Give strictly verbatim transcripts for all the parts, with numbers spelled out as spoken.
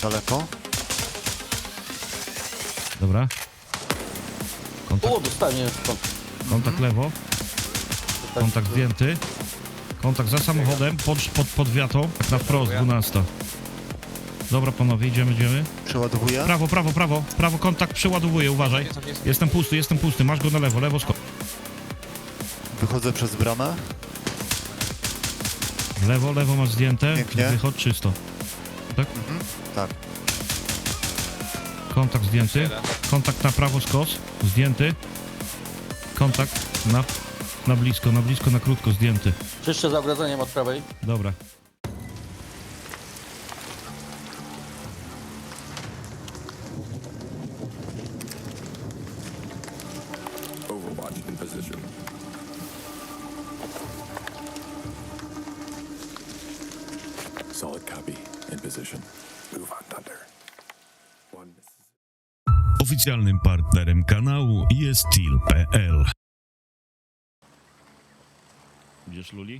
daleko. Dobra. Kontakt, O, dostanie stąd. kontakt lewo. Kontakt zdjęty. Kontakt za samochodem, pod, pod, pod wiatą. Tak na wprost, dwunasta. Dobra panowie, idziemy, idziemy. Przeładowuję. Prawo, prawo, prawo. Prawo, kontakt przeładowuję, uważaj. Jestem pusty, jestem pusty. Masz go na lewo, lewo skok. Wychodzę przez bramę. Lewo, lewo masz zdjęte. Pięknie. Wychod czysto. Tak? Mhm. Tak. Kontakt zdjęty. Kontakt na prawo skos. Zdjęty. Kontakt na, na blisko, na blisko, na krótko zdjęty. Czyszczę za ogrodzeniem od prawej. Dobra. Overwatch in position. Solid copy. In position. Move on, Thunder. One. Oficjalnym partnerem kanału jest Steel kropka p l. Idziesz, Luli?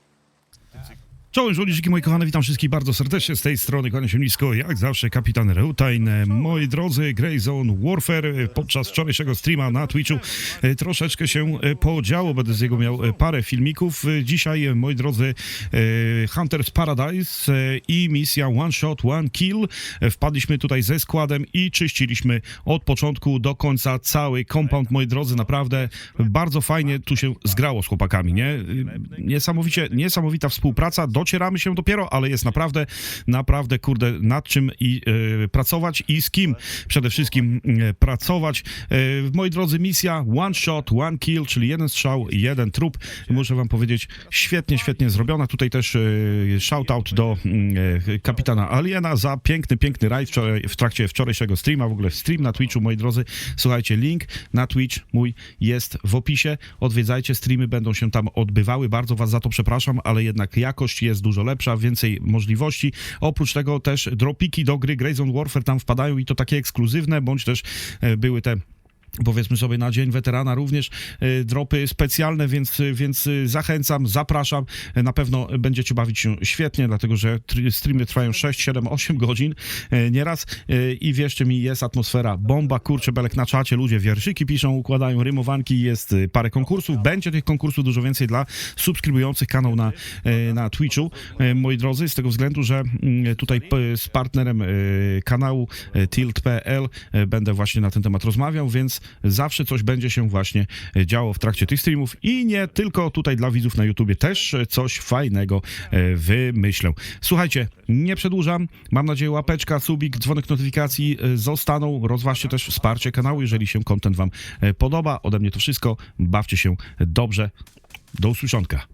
Czołem żołnierzyki, moi kochane, witam wszystkich bardzo serdecznie z tej strony, kłaniam się nisko, jak zawsze kapitan Reutain. Moi drodzy, Grayzone Warfare podczas wczorajszego streama na Twitchu e, troszeczkę się e, podziało, będę z niego miał e, parę filmików. E, Dzisiaj, e, moi drodzy, e, Hunter's Paradise e, i misja One Shot, One Kill. E, Wpadliśmy tutaj ze składem i czyściliśmy od początku do końca cały compound, moi drodzy, naprawdę bardzo fajnie tu się zgrało z chłopakami, nie? E, Niesamowicie, niesamowita współpraca. Docieramy się dopiero, ale jest naprawdę, naprawdę, kurde, nad czym i e, pracować i z kim przede wszystkim e, pracować. E, moi drodzy, misja One Shot, One Kill, czyli jeden strzał, jeden trup. Muszę wam powiedzieć, świetnie, świetnie zrobiona. Tutaj też e, shoutout do e, kapitana Aliena za piękny, piękny rajd wczoraj, w trakcie wczorajszego streama, w ogóle stream na Twitchu, moi drodzy. Słuchajcie, link na Twitch mój jest w opisie. Odwiedzajcie, streamy będą się tam odbywały. Bardzo was za to przepraszam, ale jednak jakość jest dużo lepsza, więcej możliwości. Oprócz tego też dropiki do gry Grayzone Warfare tam wpadają i to takie ekskluzywne, bądź też e, były te, powiedzmy sobie, na Dzień Weterana również e, dropy specjalne, więc, więc zachęcam, zapraszam. E, na pewno będziecie bawić się świetnie, dlatego że tr- streamy trwają sześć, siedem, osiem godzin e, nieraz e, i wierzcie mi, jest atmosfera bomba, kurczę belek na czacie, ludzie wierszyki piszą, układają rymowanki, jest e, parę konkursów, będzie tych konkursów dużo więcej dla subskrybujących kanał na, e, na Twitchu, e, moi drodzy, z tego względu, że m, tutaj p- z partnerem e, kanału e, Tilt kropka p l e, będę właśnie na ten temat rozmawiał, więc zawsze coś będzie się właśnie działo w trakcie tych streamów i nie tylko tutaj dla widzów na YouTubie, też coś fajnego e, wymyślę. Słuchajcie, nie przedłużam, mam nadzieję łapeczka, subik, dzwonek notyfikacji e, zostaną, rozważcie też wsparcie kanału, jeżeli się content wam e, podoba. Ode mnie to wszystko, bawcie się dobrze, do usłyszonka.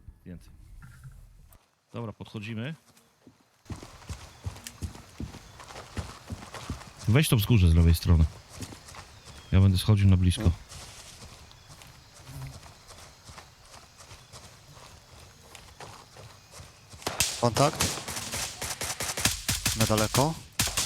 Dobra, podchodzimy. Weź to wzgórze z lewej strony. Ja będę schodził na blisko. Kontakt. Na daleko.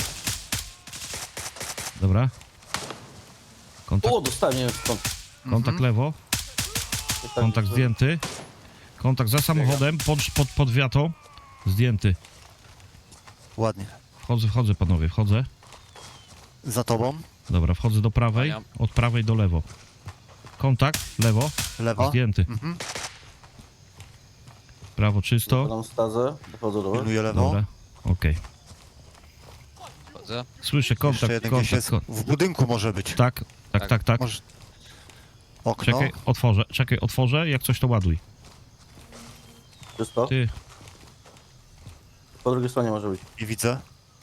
Dobra. Kontakt, O, dostanie stąd. kontakt lewo. Kontakt zdjęty. Kontakt za samochodem, pod, pod, pod wiatą. Zdjęty. Ładnie. Wchodzę, wchodzę panowie, wchodzę. Za tobą. Dobra, wchodzę do prawej, od prawej do lewo. Kontakt, lewo, Lewo. zdjęty. Mhm. Prawo czysto. Podam stazę, dochodzę do was. Pilnuję lewo. Dobra, okej. Słyszę Jeszcze kontakt, jeden gdzieś kontakt, jest. kontakt. W budynku może być. Tak, tak, tak, tak. Może... Okno. Czekaj, otworzę, czekaj, otworzę, jak coś to ładuj. Czysto. Ty, Po drugiej stronie może być. Nie widzę.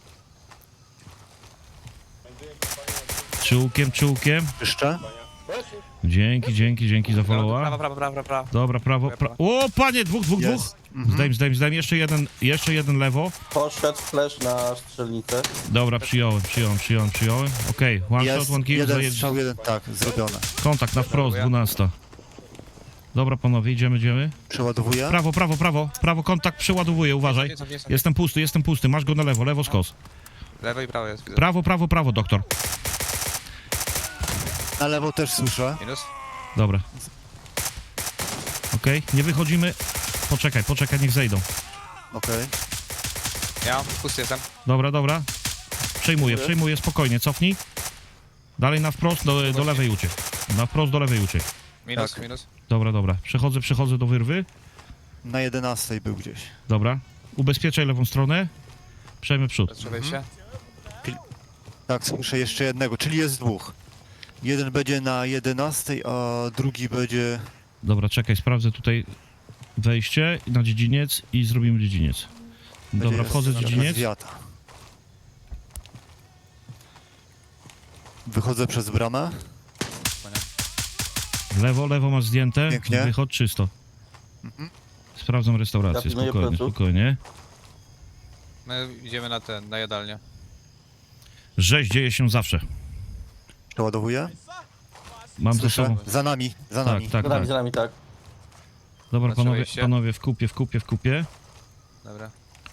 czułkiem, czułkiem. Jeszcze. Dzięki, dzięki, dzięki za followa. Prawo, prawo, prawo, prawo. Dobra, prawo, pra... O, panie, dwóch, dwóch, dwóch. Jest. Mhm. Zdejm, zdejm, zdejm, jeszcze jeden, jeszcze jeden lewo. Poszedł flash na strzelnicę. Dobra, przyjąłem, przyjąłem, przyjąłem, przyjąłem. Okej, one Jest. shot, one kill, Jeden zajedź... strzał, jeden. Tak, zrobione. kontakt na wprost, dwunasta. Dobra, panowie, idziemy, idziemy. Przeładowuję. Prawo, prawo, prawo, prawo, kontakt, przeładowuję, uważaj. Jest, jest, jest. Jestem pusty, jestem pusty, masz go na lewo, lewo skos. Lewo i prawo jest, widzę. Prawo, prawo, prawo, doktor. Na lewo też słyszę. Minus. Dobra. Okej, nie wychodzimy. Poczekaj, poczekaj, niech zejdą. Okej. Ja pusty jestem. Dobra, dobra. przejmuję, przejmuję, spokojnie, cofnij. Dalej na wprost, do, do lewej uciek. Na wprost, do lewej uciek. Minus, Tak. minus. Dobra, dobra. Przechodzę, przechodzę do wyrwy. Na jedenastej był gdzieś. Dobra. Ubezpieczaj lewą stronę. Przejmę przód. Patrzę wejście. Tak, słyszę jeszcze jednego, czyli jest dwóch. Jeden będzie na jedenastej, a drugi będzie... Dobra, czekaj, sprawdzę tutaj wejście na dziedziniec i zrobimy dziedziniec. Dobra, będzie wchodzę w jakaś dziedziniec. zwiata. Wychodzę przez bramę. Lewo, lewo masz zdjęte. Pięknie. Wychodź czysto. Mhm. Sprawdzam restaurację, Ja pilnuję spokojnie, pleców. spokojnie. My idziemy na ten, na jadalnię. Rzeź dzieje się zawsze. Przeładowuję. Mam ze sobą... Słyszę. Za nami, za Tak, nami. tak, Za nami, tak. za nami, tak. Dobra, Patrzę panowie, wejście. panowie, w kupie, w kupie, w kupie. Dobra,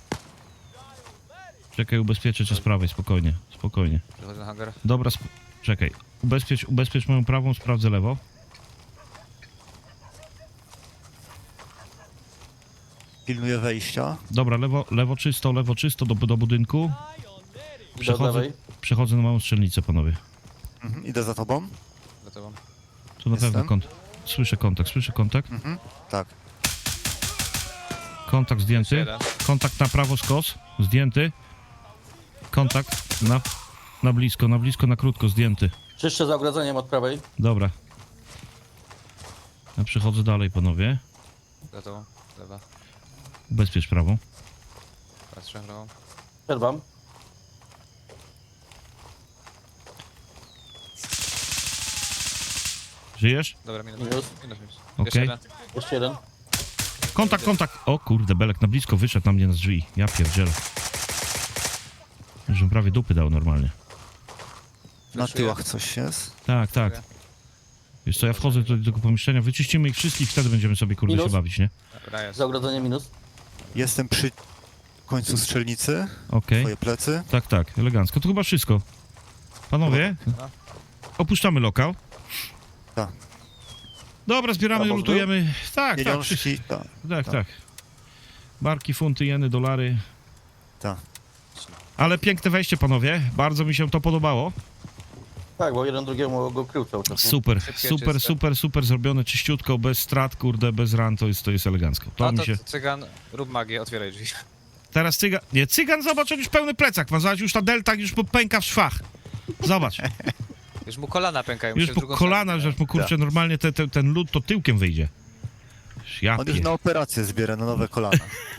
Czekaj, ubezpieczę cię z prawej, spokojnie, spokojnie. przechodzę na hangar. Dobra, sp- czekaj. Ubezpiecz, ubezpiecz moją prawą, sprawdzę lewo. Pilnuję wejścia. Dobra, lewo, lewo czysto, lewo czysto do, do budynku. Do Przechodzę, lewej. przechodzę na małą strzelnicę, panowie. Mhm. Idę za tobą. Za tobą. Tu na Jestem. pewno kont. Słyszę kontakt, słyszę kontakt. Mhm. Tak. Kontakt zdjęty. Jeden. Kontakt na prawo skos, zdjęty. Kontakt na, na blisko, na blisko, na krótko, zdjęty. Czyszczę za ogrodzeniem od prawej. Dobra. Ja przechodzę dalej, panowie. Za tobą. Lewa. Ubezpiecz prawą. Patrzę prawą. Przerwam. Żyjesz? Dobra, minus. Minus. Minus, minus. Okej. Jeszcze jeden. Jeszcze jeden. Kontakt, kontakt! O kurde, Belek na blisko wyszedł na mnie na drzwi. Ja pierdzielę. Już bym prawie dupy dał normalnie. Na Flashuję. tyłach coś jest. Tak, tak. Wiesz co, ja wchodzę do tego pomieszczenia, wyczyścimy ich wszystkich, wtedy będziemy sobie kurde Minus. się bawić, nie? Dobra, jest. Za ogrodzeniem minus. Jestem przy końcu strzelnicy. Okej. Twoje plecy. Tak, tak, elegancko. To chyba wszystko. Panowie, opuszczamy lokal. Tak. Dobra, zbieramy, Brawo, lutujemy. Tak, tak, wszystko. Pieniążki. Tak. Tak, Tak. tak. Barki, funty, jeny, dolary. Tak. Ale piękne wejście, panowie. Bardzo mi się to podobało. Tak, bo jeden drugiemu go krył cały czas. nie? Super, Szybkie, super, czyste. super, super zrobione, czyściutko, bez strat, kurde, bez ran, to jest, to jest elegancko. To A mi to się... cygan, rób magię, otwieraj drzwi. Teraz cygan... Nie, cygan, zobacz, on już pełny plecak ma, zobacz, już ta delta już mu pęka w szwach. Zobacz, Już mu kolana pękają. już się w po drugą kolana, stronę. że mu kurczę, normalnie te, te, ten lód to tyłkiem wyjdzie. Ja On już pie... na operację zbiera, na nowe kolana.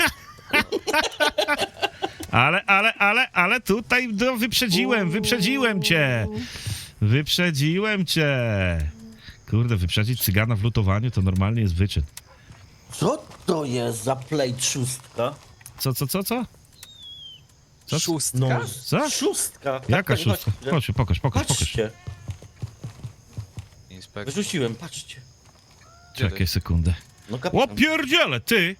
Ale, ale, ale, ale tutaj no, wyprzedziłem, wyprzedziłem cię. Wyprzedziłem cię. Kurde, wyprzedzić cygana w lutowaniu to normalnie jest wyczyn. Co to jest za plate szóstka? Co, co, co, co? Co? Szóstka? No, Co? szóstka. Tak, Jaka tak, szóstka? patrzcie. Chodź, pokaż, pokaż, pokaż. Patrzcie, Inspekt. wyrzuciłem, patrzcie. Gdzie to Czekaj sekundę. No O kapitan, pierdziele, ty!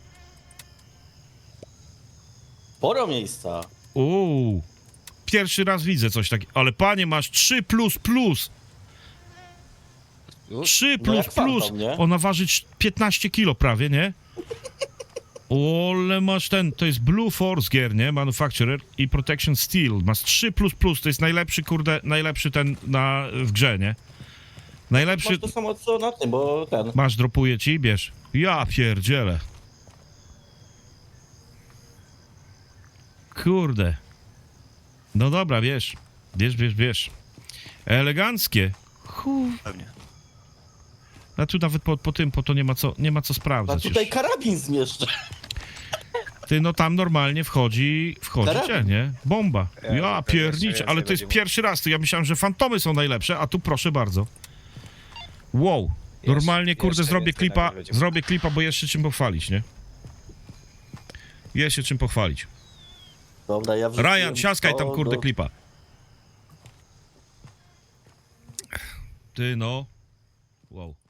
sporo miejsca. Uuu. Pierwszy raz widzę coś takiego. Ale panie, masz trzy plus plus. Już? trzy No plus jak fantom, plus. nie? Ona waży cz- piętnaście kilo prawie, nie? Ole masz ten, to jest Blue Force Gear, nie? Manufacturer i Protection Steel. Masz trzy plus plus, to jest najlepszy, kurde, najlepszy ten na, w grze, nie? Najlepszy... Masz to samo co na tym, bo ten. Masz, dropuję ci, bierz. Ja pierdzielę. Kurde. No dobra, bierz. Bierz, bierz, bierz. Eleganckie. Hu. Pewnie. A tu nawet po, po tym, po to nie ma co, nie ma co A sprawdzać tutaj już. karabin zmieszczę. Ty, no tam normalnie wchodzi, wchodzi Karabin. cię, nie? Bomba. Ja, Ja to pierniczę, jeszcze ale więcej to jest będzie pierwszy raz. To ja myślałem, że fantomy są najlepsze, a tu proszę bardzo. Wow. Normalnie, kurde, jeszcze zrobię więcej klipa, nagle będzie. zrobię klipa, bo jest się czym pochwalić, nie? Jest się czym pochwalić. Dobra, ja wrzuciłem Ryan, siaskaj tam, to kurde, do- klipa. Ty, no. Wow.